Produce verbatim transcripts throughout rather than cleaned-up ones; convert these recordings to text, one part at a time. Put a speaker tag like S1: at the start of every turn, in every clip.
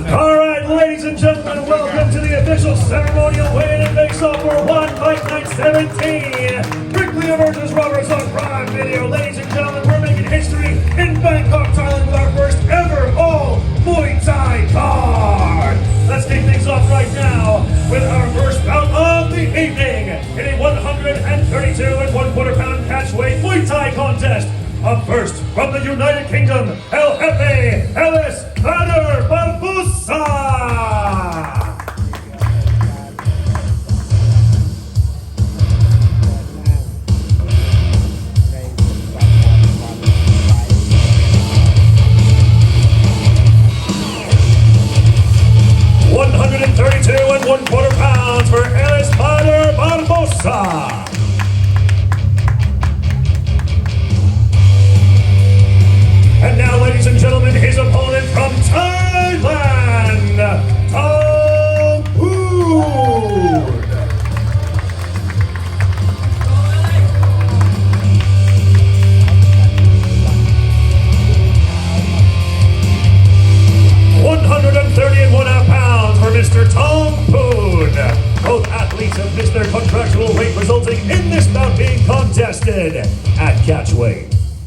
S1: All right, ladies and gentlemen, welcome to the official ceremonial weigh-in and face-off for One Fight Night seventeen. Brickley versus Roberts on Prime Video. Ladies and gentlemen, we're making history in Bangkok, Thailand with our first ever all Muay Thai card. Let's kick things off right now with our first bout of the evening in a one thirty-two and one quarter pound catchweight Muay Thai contest. Up first, from the United Kingdom, El Jefe Ellis Bader Barbosa. one thirty-two and one quarter pounds for Ellis Bader Barbosa. And now, ladies and gentlemen, his opponent from Thailand, Thong Poon. one thirty and one half pounds for Mister Thong Poon. Both athletes have missed their contractual weight, resulting in this bout being contested at catchweight.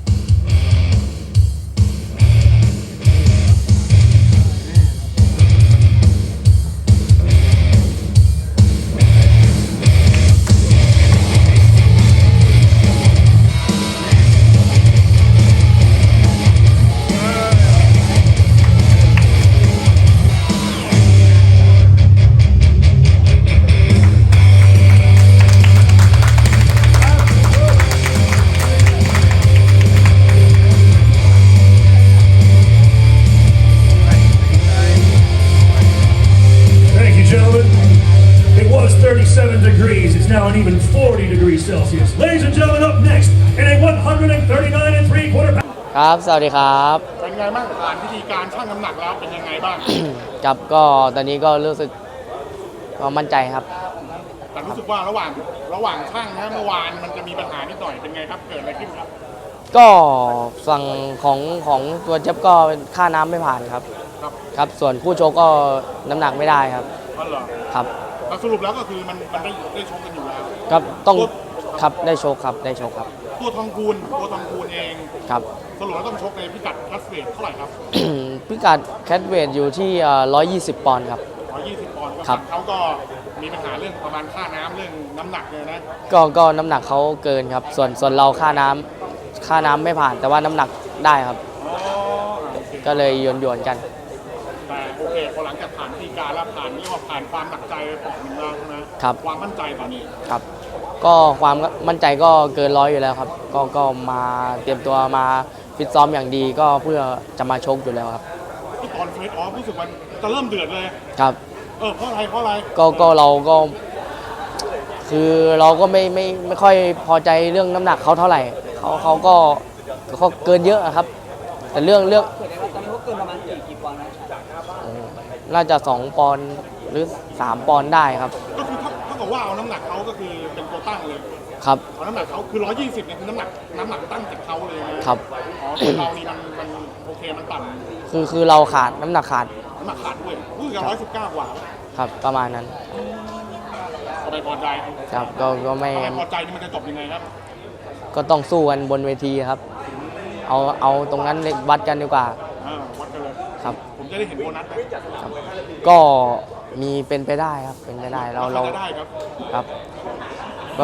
S1: thirty-seven degrees. It's now an even forty degrees Celsius. Ladies and gentlemen, up next in a one thirty-nine and three quarter pound.
S2: ครับสวัสดีครับ
S3: เป็นไงบ้างผ่านพิธีการชั่งน้ำหนักแล้วเป็นยังไงบ้าง
S2: ครับก็ตอนนี้ก็รู้สึกก็มั่นใจครับ
S3: แต่รู้สึกว่าระหว่างระหว่างช่างนะเมื่อวานมันจะมีปัญหานิดหน่อยเป็นไงครับเกิดอะไรขึ้นครับ
S2: ก็ฝั่งของของตัวเจ็บก็ค่าน้ำไม่ผ่านครับครับครับส่วนผู้ชกก็น้ำหนักไม่ได้ครับ
S3: อ๋อเหรอ
S2: ครับ
S3: สรุปแล้วก็คือมันมันได้ได้ชกกันอยู่แล้ว
S2: ครับต้องครับได้โชคครับได้โชคครับ
S3: ตัวทองคูณตัวทองคูณเอง
S2: ครับ
S3: สรุปแล้วต้องชกในพิกัดแคทเวทเท่าไหร่ครับ
S2: พิกัดแคทเวทอยู่ที่ร้อยยี่สิบปอนด์ครับ
S3: ร้อยยี่สิบปอนด์
S2: ครับ
S3: เขาก็มีปัญหาเรื่องประมาณค่าน้ำเรื่องน้ำหนักเลยนะ
S2: ก็ก็น้ำหนักเขาเกินครับส่วนส่วนเราค่าน้ำค่าน้ำไม่ผ่านแต่ว่าน้ำหนักได้ครับก็เลยโยนโยนกัน
S3: แต่โอเคพอหลังจากผ่านพิธีการแล้วผ่านเรียกว่าผ่านความหนักใจปอกหนึ่งแล้วใช่ไหม
S2: ครับ
S3: ความมั่นใจตอนนี้
S2: ครับก็ความมั่นใจก็เกินร้อยอยู่แล้วครับก็ก็มาเตรียมตัวมาฟิตซ้อมอย่างดีก็เพื่อจะมาชกอยู่แล้วครับ
S3: ที่ตอนเฟสออฟรู้สึกมันจะเริ่มเดือดเลย
S2: ครับ
S3: เออเพราะอะไรเพราะอะไร
S2: ก็ก็เราก็คือเราก็ไม่ไม่ไม่ค่อยพอใจเรื่องน้ำหนักเขาเท่าไหร่เขาเขาก็เขาเกินเยอะครับแต่เรื่องเรื่อง
S4: ตอนนี้เขาเกินประมาณกี่กี่ปอนด์นะ
S2: น่าจะสองปอนด์หรือสามปอนด์ได้ครับ
S3: ก็คือถ้าถ้าบอกว่าเอาน้ำหนักเขาก็คือเป็นตัวตั้งเลย
S2: ครับ
S3: เอาน้ำหนักเขาคือร้อยยี่สิบเนี่ยคือน้ำหนักน้ำหนักตั้งจากเขาเลยนะครับอ๋อคือเรานี่มันมันโอเคมันต่
S2: ำคือคือเราขาดน้ำหนักขาด
S3: น้ำหนักขาดด้วยคือร้อยสิบเก้ากว่า
S2: ครับประมาณนั้น
S3: ก็ไม่พอใจ
S2: ครับก็ก็ไม่
S3: พอใจนี่มันจะจบยังไงครับ
S2: ก็ต้องสู้กันบนเวทีครับเอาเอาตรงนั้นวัดกันดีกว่า
S3: วัดกันเลย
S2: ครับ
S3: ผมจะได้เห็นโบนัส
S2: ครับก็มีเป็นไปได้ครับเป็นไปได้เราเราครับก็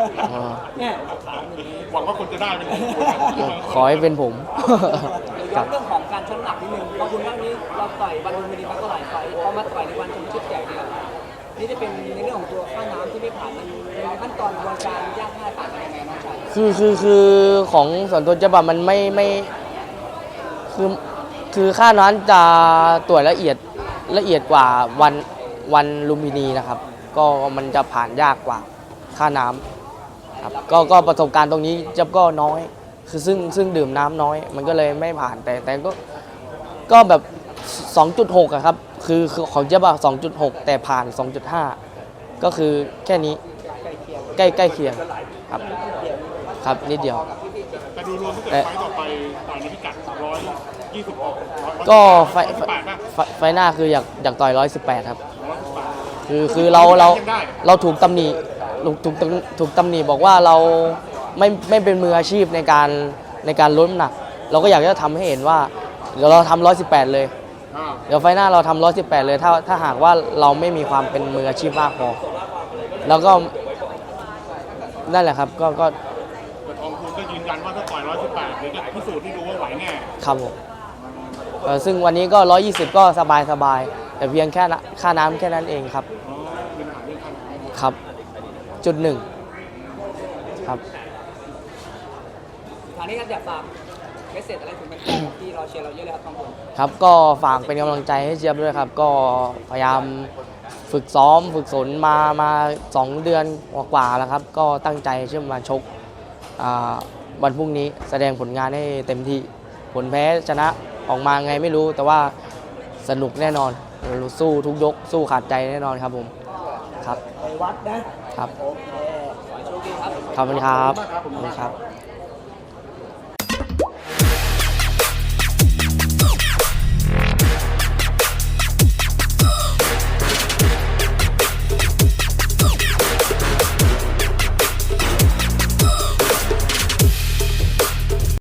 S3: หวังว่าคนจะได้เป็น
S2: ขอให้เป็นผม
S4: ย้อนเรื่องของการชั่งน้ำหนักนิดนึงเพราะคุณว่านี้เราต่อยวันลุมพินีมาก็หลายไฟพอมาต่อยในวันชมชุดใหญ่เดียวนี่จะเป็นในเรื่องของตัวค่าน้ำที่ไม่ผ่านมันในขั้นตอนกระบวนการยากง่ายต่างกันยังไงน้องชาย
S2: คือคือคือของส่วนตัวจะแบบมันไม่ไม่คือคือค่านั้นจะตรวจละเอียดละเอียดกว่าวันวันลุมพินีนะครับก็มันจะผ่านยากกว่าค่าน้ำครับก็ก็ประสบการณ์ตรงนี้จับก็น้อยคือซึ่งซึ่งดื่มน้ำน้อยมันก็เลยไม่ผ่านแต่แต่ก็ก็แบบ สองจุดหก อะครับคือของเจ๊บ้า สองจุดหก แต่ผ่าน สองจุดห้า ก็คือแค่นี้ใกล้ใกล้เคียงครับครับนิดเดียว
S3: แต่ดูรวมถ้าเกิดไฟต่อไปต่อยในพิกัดหนึ่งร้อยยี่สิบหกก็
S2: ไฟไฟไฟหน้าคืออยากอยากต่อยร้อยสิบแปดครับคือคือเราเราเราถูกตำหนิถูกถูกถูกตำหนิบอกว่าเราไม่ไม่เป็นมืออาชีพในการในการลดน้ำหนัก เราก็อยากจะทำให้เห็นว่าเดี๋ยวเราทำร้อยสิบแปดเลย
S3: อ่า
S2: เดี๋ยวไฟหน้าเราทำร้อยสิบแปดเลยถ้าถ้าหากว่าเราไม่มีความเป็นมืออาชีพมากพอแล้วก็นั่นแหละครับก็ก็
S3: แต่ทองคูณก็ยืนยันว่าถ้าต่อยร้อยสิบแปดเดี๋ยวจะพิสูจน์ที่ดูว่าไหวแน่
S2: ครับผมเอ่อซึ่งวันนี้ก็ร้อยยี่สิบก็สบายสบายแต่เพียงแค่นะค่าน้ำแค่นั้นเองครับ
S3: อ๋อมีปัญหาเรื่องค่าน้ำ
S2: ครับจุดหนึ่งครับ
S4: ทางนี้ครับอยากฝากเมสเซจอะไรถึงแฟนๆที่รอเชียร์เราเยอะเลยครับทองคุณ
S2: ครับก็ฝากเป็นกำลังใจให้เจี๊ยบด้วยครับ ก็พยายามฝึกซ้อมฝึกฝนมามาสองเดือนกว่าๆแล้วครับ ก็ตั้งใจเชื่อมาชกอ่าวันพรุ่งนี้แสดงผลงานให้เต็มที่ผลแพ้ชนะออกมาไงไม่รู้ แต่ว่าสนุกแน่นอนเราสู้ทุกยกสู้ขาดใจแน่นอนครับผมครับ
S4: ไปวัดนะครับ โอเคขอให้โชคดีครับ
S2: ขอบคุณครับขอบคุณครับ